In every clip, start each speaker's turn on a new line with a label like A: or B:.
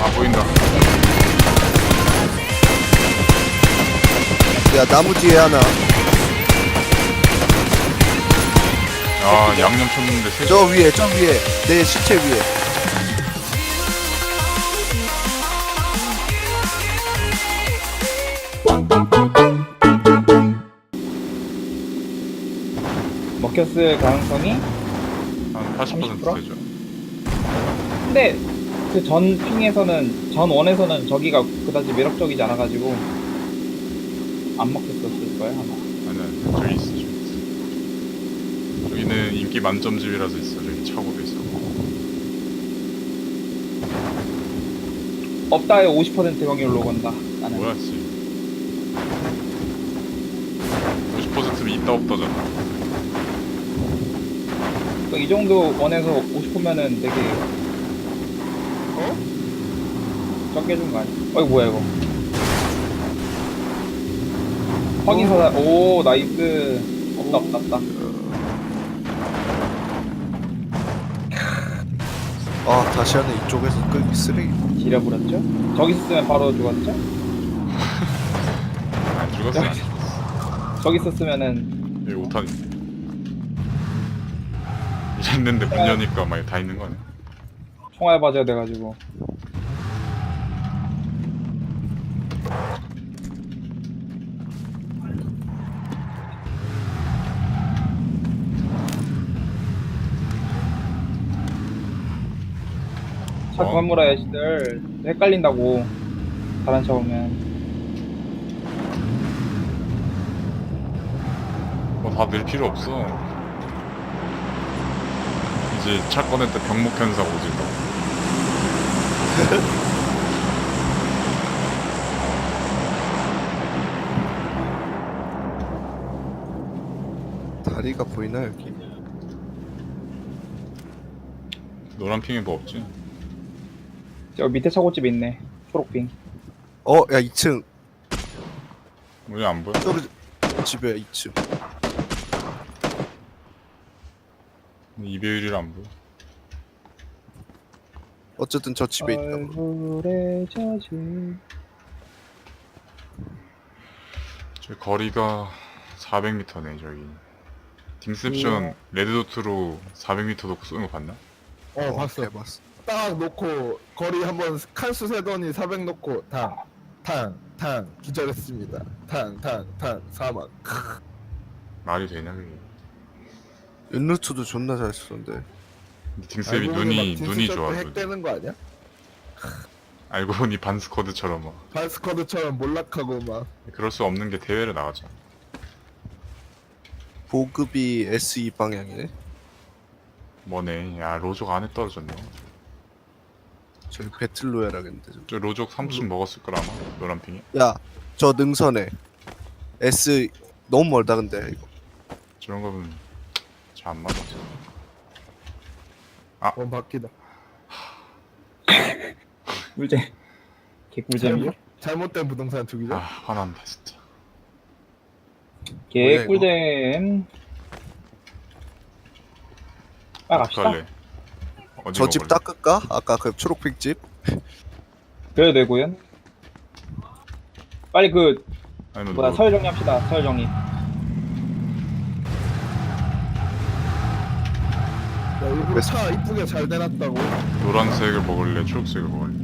A: 아 보인다.
B: 야 나무 뒤에 하나.
A: 아 양념 쳤는데 세.
B: 저 위에 내 시체 위에.
C: 먹혔을 가능성이?
A: 한 80%
C: 30%?
A: 되죠.
C: 근데 그 전 핑에서는 전 원에서는 저기가 그다지 매력적이지 않아가지고 안 먹혔었을 거야 아마.
A: 아니 저기 있어 저기 있어. 저기는 인기 만점 집이라서 있어. 저기 차고도 있어.
C: 없다에 50% 확률로 건다. 나는.
A: 뭐야 씨. 50%면 있다 없다잖아.
C: 이 정도 원에서 50%면은 되게 적게 준 거 아니야? 어이 뭐야 이거? 확인서다. 오 나이스. 없다.
B: 아 다시 하네. 이쪽에서 끌기 쓰레기.
C: 지려버렸죠? 저기 있었으면 바로 죽었죠?
A: 안 죽었어 안 죽었어.
C: 저기 있었으면은
A: 여기 5탄 이랬는데 문 여니까 막 다 있는 거 아니야?
C: 총알 맞아야 돼가지고. 차 그만 몰아야 시들 헷갈린다고. 다른 차 오면.
A: 다 늘 필요 없어. 이제 차 꺼낼 때 병목 현상 오진다.
B: 다리가 보이나 여기?
A: 노란 핑에 뭐 없지?
C: 저 밑에 차고집 있네. 초록빙.
B: 야 2층.
A: 왜 안 보여?
B: 저기 집에 2층.
A: 이배율이라 안 보여.
B: 어쨌든 저 집에 있다.
C: 얼굴에 젖은
A: 저기 거리가 400m네 저기. 딩셉션 레드도트로 400m 놓고 쏘는 거 봤나?
D: 봤어.
B: 해봤어.
D: 딱 놓고 거리 한번 칸수 세더니 400 놓고 탕 기절했습니다. 탕 사망.
A: 말이 되냐 그게.
B: 윤루트도 존나 잘 쓰는데.
A: 딩셉이
D: 알고 보니 막
A: 눈이
D: 딘스셔츠
A: 좋아.
D: 핵되는 거 아니야?
A: 알고 보니 반스쿼드처럼 막.
D: 반스쿼드처럼 몰락하고 막.
A: 그럴 수 없는 게 대회를 나가자.
B: 보급이 SE 방향이네.
A: 뭐네. 야 로족 안에 떨어졌네.
B: 저기 배틀로얄 하겠는데.
A: 저 로족 3층 먹었을 거라 아마. 노란핑이.
B: 야저 능선에 S 너무 멀다 근데 이거.
A: 저런 거는 잘 안 맞아.
D: 원 바퀴다.
C: 꿀잼. 개꿀잼이요?
D: 잘못된 부동산
A: 아
D: 투기죠?
A: 화난다 진짜.
C: 개꿀잼. 갑시다.
A: 어떡할래? 어디
B: 저 집
A: 먹을래?
B: 닦을까? 아까 그 초록빛 집?
C: 그래도 되고요. 빨리 그
A: 아니면
C: 뭐야 서열 정리합시다. 서열 정리.
D: 야, 일부러 차 이쁘게 잘 대놨다고.
A: 노란색을 먹을래? 초록색을 먹을래?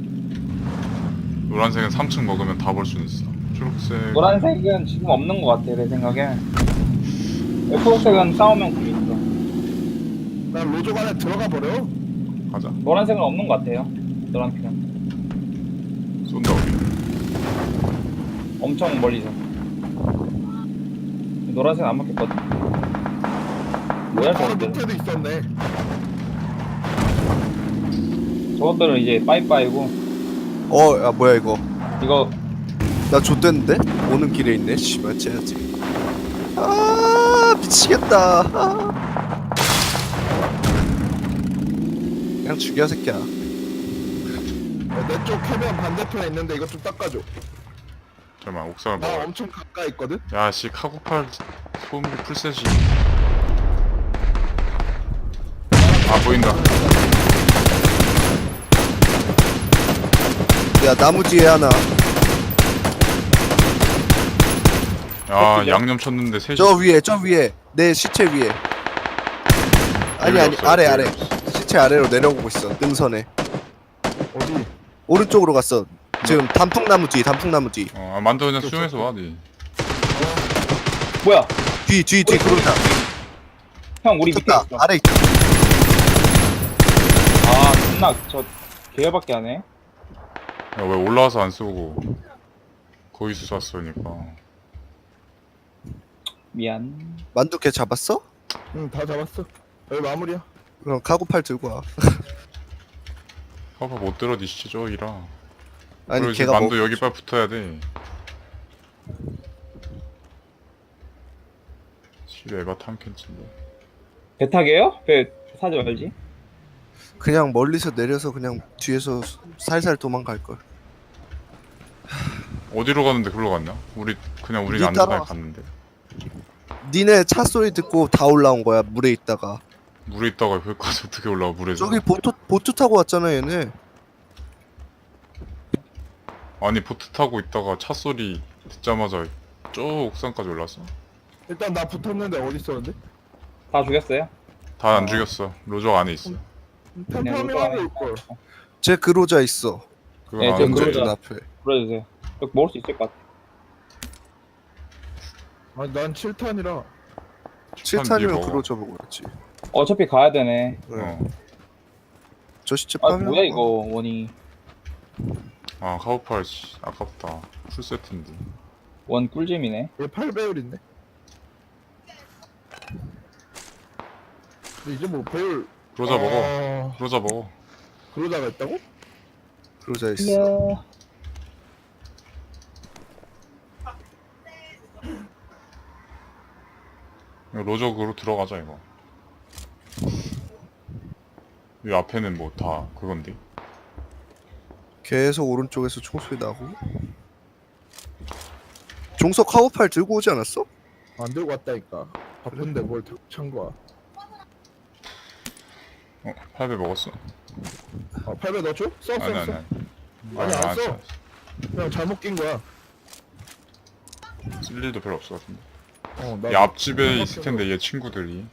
A: 노란색은 3층 먹으면 다 볼 수 있어. 초록색
C: 노란색은 지금 없는 것 같아 내 생각에. 초록색은 싸우면 구이 있어.
D: 난 로족 안에 들어가 버려.
A: 가자.
C: 노란색은 없는 것 같아요. 노란색은
A: 쏜다 우리.
C: 엄청 멀리서. 노란색은 안 먹혔거든. 뭐야
D: 바로
C: 저것들?
D: 밑에도 있었네.
C: 저것들은 이제 빠이빠이고
B: 야 뭐야 이거.
C: 이거
B: 나 좆됐는데? 오는 길에 있네. 씨발 쟤야지. 미치겠다. 그냥 죽여 새끼야.
D: 내 쪽 해변 반대편에 있는데 이것 좀 닦아줘.
A: 잠깐만 옥상을
D: 나
A: 먹어.
D: 엄청 가까이 있거든?
A: 야씨 카고팔 소음기 풀셋이. 아 보인다.
B: 야 나무 뒤에 하나.
A: 야
C: 새끼죠?
A: 양념 쳤는데 셋이.
B: 저 위에 내 시체 위에. 아니
A: 없어요,
B: 아래
A: 별로
B: 아래.
A: 없어.
B: 시체 아래로 내려오고 있어. 능선에.
D: 어디?
B: 오른쪽으로 갔어. 지금 단풍나무 뒤.
A: 만두 그냥 수영해서 와 니.
C: 뭐야?
B: 뒤 그러자.
C: 형 우리 밑에
B: 쳤다.
C: 있어.
B: 아래 있다.
C: 아 존나 저 개열받게 하네.
A: 야 왜 올라와서 안 쏘고 거기서 쐈으니까.
C: 미안.
B: 만두 걔 잡았어?
D: 응, 다 잡았어. 여기 마무리야.
B: 그럼 카고팔 들고 와.
A: 봐봐 못 들어 니 시체 저기라.
B: 아니
A: 그리고 이제
B: 걔가
A: 만두
B: 뭐
A: 여기 빨리 붙어야 돼. 시대 에바 탐켄치인데.
C: 배 타게요? 배 사지 말지.
B: 그냥 멀리서 내려서 그냥 뒤에서 살살 도망갈 걸.
A: 어디로 가는데 글로 갔냐? 우리
B: 니
A: 안전하게
B: 따라왔어.
A: 갔는데.
B: 니네 차 소리 듣고 다 올라온 거야. 물에 있다가.
A: 물에 있다가 거기까지 어떻게 올라와 물에서?
B: 저기 보트 타고 왔잖아 얘네.
A: 아니 보트 타고 있다가 차 소리 듣자마자 저 옥상까지 올랐어.
D: 일단 나 붙었는데 어디 있었는데?
C: 다 죽였어요?
A: 다 안 죽였어. 로저 안에 있어.
D: 템파밍하고 올걸.
B: 쟤 그로자 있어.
A: 그건
C: 네, 저
A: 아는데.
C: 그러자.
B: 눈 앞에.
C: 불러주세요. 여기 먹을 수 있을 것 같아.
D: 아니 난 7탄이라.
B: 7탄이면
A: 먹어.
B: 그로자 보고 그랬지.
C: 어차피 가야 되네.
A: 어.
B: 저 시체
C: 아
B: 파면
C: 뭐야 이거 원이.
A: 아 카우팔 씨 아깝다. 풀 세트인데.
C: 원 꿀잼이네.
D: 얘 8배율 있네. 근데 이제 뭐 배율.
A: 그러자 먹어.
D: 어...
A: 그러자 먹어.
D: 그러다가 있다고?
B: 그로자 있어.
C: 이야.
A: 이거 로저그로 들어가자 이거. 이 앞에는 뭐 다 그건데.
B: 계속 오른쪽에서 총소리 나고. 종석 카고팔 들고 오지 않았어?
D: 안 들고 왔다니까. 바쁜데 뭘 들고 찬 거야.
A: 8배 먹었어?
D: 8배 넣어줘? 써.
A: 아니
D: 아니 안 써. 그냥 잘못 낀 거야.
A: 쓸 일도 별로 없을 것 같은데.
D: 나
A: 이 앞집에 있을 텐데 얘 친구들이.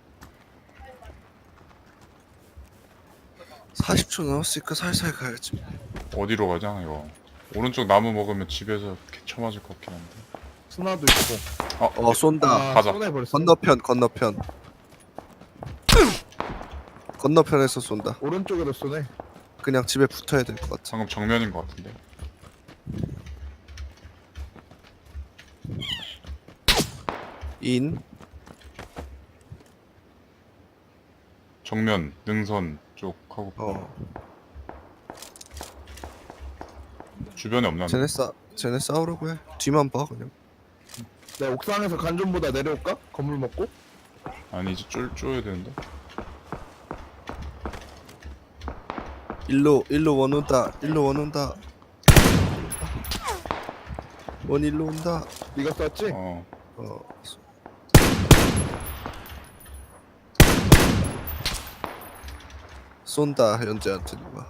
B: 40초 남았으니까 살살 가야지.
A: 어디로 가자 이거. 오른쪽 나무 먹으면 집에서 개쳐 맞을 것 같긴 한데.
D: 스나도 있고.
B: 쏜다.
A: 가자.
D: 손해버렸어.
B: 건너편. 건너편에서 쏜다.
D: 오른쪽에도 쏘네.
B: 그냥 집에 붙어야 될 것 같아.
A: 방금 정면인 것 같은데.
B: 인.
A: 정면 능선 쪽 하고 주변에 없나?
B: 쟤네 싸우려고 해. 뒤만 봐 그냥.
D: 내 옥상에서 간좀보다 내려올까? 건물 먹고?
A: 아니 이제 쪼야 되는데.
B: 일로 원 온다. 원 일로 온다.
D: 네가 쐈지?
A: 어.
B: 쏜다 현재한테 누가.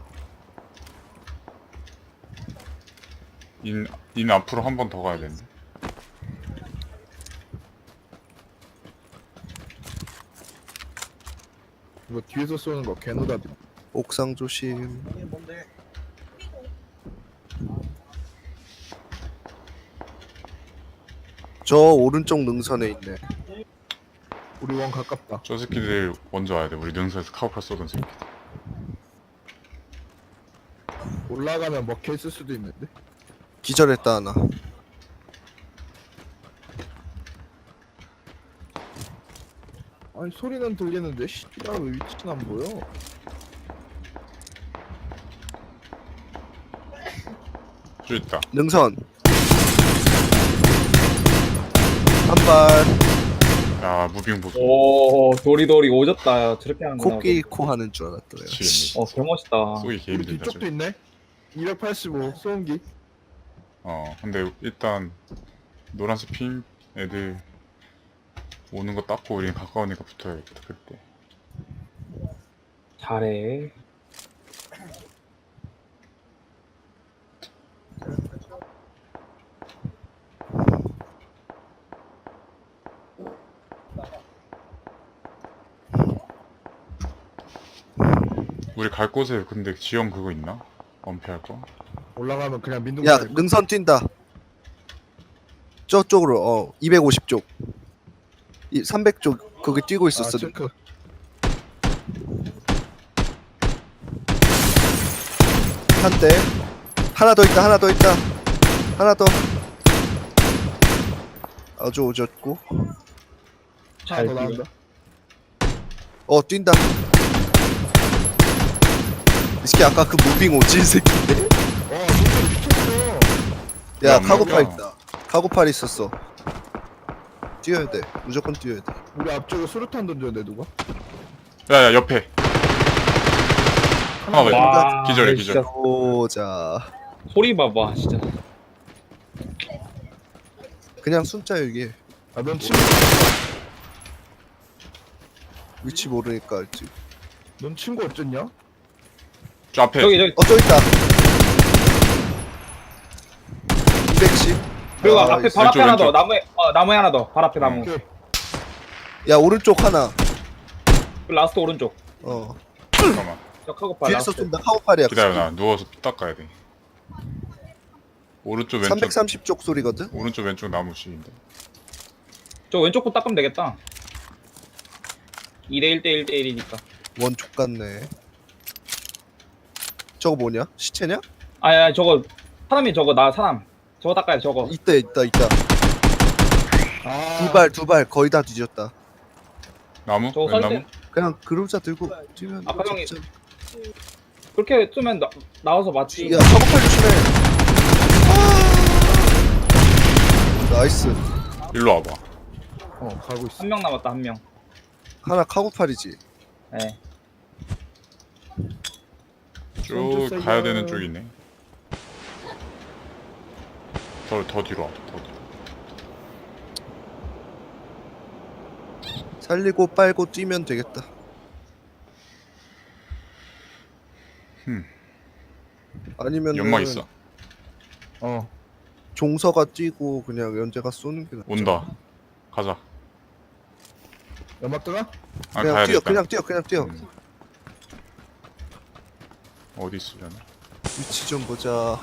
A: 인 앞으로 한 번 더 가야 되는데.
D: 이거 뒤에서 쏘는 거 개노다.
B: 옥상 조심. 저 오른쪽 능선에 있네.
D: 우리 원 가깝다.
A: 저 새끼들 먼저 와야 돼. 우리 능선에서 카우팔 쏘던 새끼들.
D: 올라가면 먹혀 있을 수도 있는데.
B: 기절했다 하나.
D: 아니 소리는 들리는데 씨발 왜 위치는 안 보여?
A: 저 있다.
B: 능선. 한 발.
A: 야 무빙 보소.
C: 오 도리도리 오졌다. 저렇게 하는구나.
B: 코끼리 코 하는 줄 알았다 내가.
A: 미치겠네.
C: 어 개멋있다.
A: 쏘기
D: 우리
A: 개입니다.
D: 뒤쪽도 있네. 285 소음기.
A: 근데 일단 노란색 핀 애들 오는 거 닦고 우리는 가까우니까 붙어야겠다 그때.
C: 잘해.
A: 우리 갈 곳에 근데 지형 그거 있나? 엄폐할 거?
D: 올라가면 그냥 민둥.
B: 야 능선 뛴다. 저쪽으로 250쪽 300쪽 거기 뛰고 있었어.
D: 체크.
B: 한 대. 하나 더 있다. 하나 더 있다. 하나 더. 아주 오졌고.
C: 잘
D: 하나 더
C: 뛰네.
D: 나온다.
B: 뛴다. 이 새끼 아까 그 무빙 오진 새끼인데.
D: 와 진짜 미쳤어.
B: 야
A: 안
B: 카고팔
A: 먹어.
B: 있다. 카고팔 있었어. 뛰어야 돼. 무조건 뛰어야 돼.
D: 우리 앞쪽에 수류탄 던졌는데 누가?
A: 야야 옆에 하나 더 있다.
C: 와,
A: 기절해,
C: 진짜
A: 기절.
B: 오자.
C: 소리 봐봐 진짜.
B: 그냥 숨자 이게.
D: 아넌 친구.
B: 위치 모르니까 알지.
D: 넌 친구 어쨌냐?
A: 저 앞에
C: 저기
B: 저 있다. 210.
C: 그리고
B: 아,
C: 앞에
B: 있어.
C: 발 앞에
A: 왼쪽,
C: 하나 더
A: 왼쪽.
C: 나무에 하나 더 발 앞에 나무.
D: 오케이.
B: 야 오른쪽 하나.
C: 그 라스트 오른쪽.
A: 잠깐만
C: 저 카고팔
B: 뒤에서
C: 라스트.
B: 쏜다. 카고팔이야.
A: 기다려 나 누워서 피 닦아야 돼. 오른쪽 왼쪽
B: 330쪽 소리거든.
A: 오른쪽 왼쪽 나무씩인데.
C: 저 왼쪽 거 닦으면 되겠다. 2대 1대 1대 1이니까.
B: 원족 같네. 저거 뭐냐? 시체냐?
C: 아야 저거 사람이 저거 나 사람. 저거 닦아야 돼 저거.
B: 있다.
D: 아.
B: 두 발 거의 다 뒤졌다.
A: 나무?
C: 저거
A: 왼
C: 설
A: 나무?
C: 때
B: 그냥 그루자 들고 뛰면
C: 아까 형이-
B: 진짜-
C: 그렇게 쏘면 나와서 맞지.
B: 야 카고팔 조심해. 나이스.
A: 일로 와봐.
D: 가고 있어.
C: 한 명 남았다 한 명.
B: 하나 카고팔이지.
C: 네.
A: 쭉 가야 되는 쪽이네. 더 뒤로 와봐. 더 뒤로.
B: 살리고 빨고 뛰면 되겠다. 아니면
A: 연막 있어.
B: 종서가 뛰고 그냥 연재가 쏘는 게 낫지.
A: 온다. 가자.
D: 연막 뜨나?
A: 아
B: 그냥
A: 가야
B: 뛰어.
A: 되겠다.
B: 그냥 뛰어.
A: 어디 있으려나?
B: 위치 좀 보자.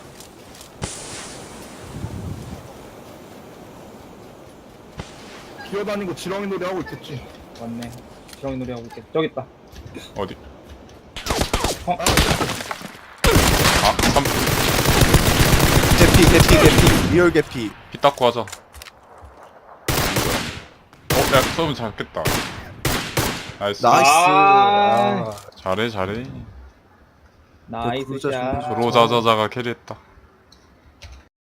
D: 기어다니고 지렁이 놀이 하고 있겠지.
C: 맞네. 지렁이 놀이 하고 있겠. 저기 있다.
A: 어디?
C: 어?
A: 아,
B: 개피. 리얼 개피.
A: 피 닦고 하자. 야, 쏘면 잡겠다. 나이스.
B: 나이스.
C: 아.
A: 잘해.
C: 나이스
B: 그루자
C: 샷.
B: 준비
A: 조로자자자가 캐리했다.